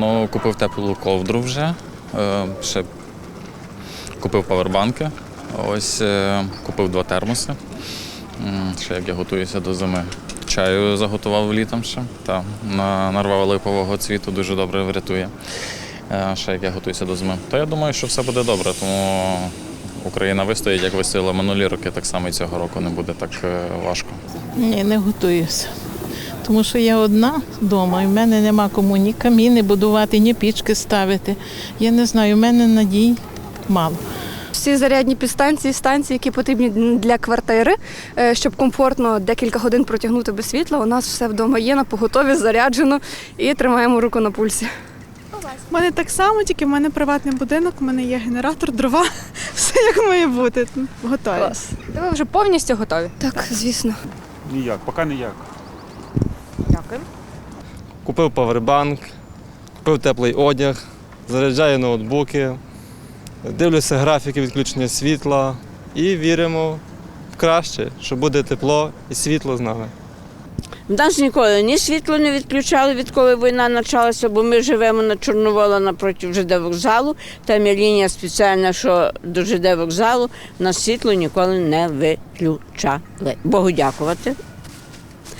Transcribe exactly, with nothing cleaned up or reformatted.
Ну, купив теплу ковдру вже, е, ще купив павербанки, ось е, купив два термоси. М, Ще як я готуюся до зими. Чаю заготував літом ще, та, на- нарвав липового цвіту, дуже добре врятує. Е, Ще як я готуюся до зими. То я думаю, що все буде добре, тому Україна вистоїть, як вистояла минулі роки, так само і цього року не буде так е, важко. Ні, не готуюся. Тому що я одна вдома, і в мене нема кому ні каміни будувати, ні пічки ставити. Я не знаю, в мене надій мало. Всі зарядні підстанції, станції, які потрібні для квартири, е, щоб комфортно декілька годин протягнути без світла, у нас все вдома є, на поготові, заряджено і тримаємо руку на пульсі. У мене так само, тільки в мене приватний будинок, у мене є генератор, дрова, все як має бути. Готові. Клас. То ви вже повністю готові? Так, звісно. Ніяк, поки ніяк. Дякую. Купив павербанк, купив теплий одяг, заряджаю ноутбуки, дивлюся графіки відключення світла і віримо в краще, що буде тепло і світло з нами. В нас ніколи ні світло не відключали, відколи війна почалася, бо ми живемо на Чорновола напроти ЖД вокзалу. Там є лінія спеціальна, що до ЖД вокзалу. В нас світло ніколи не виключали. Богу дякувати.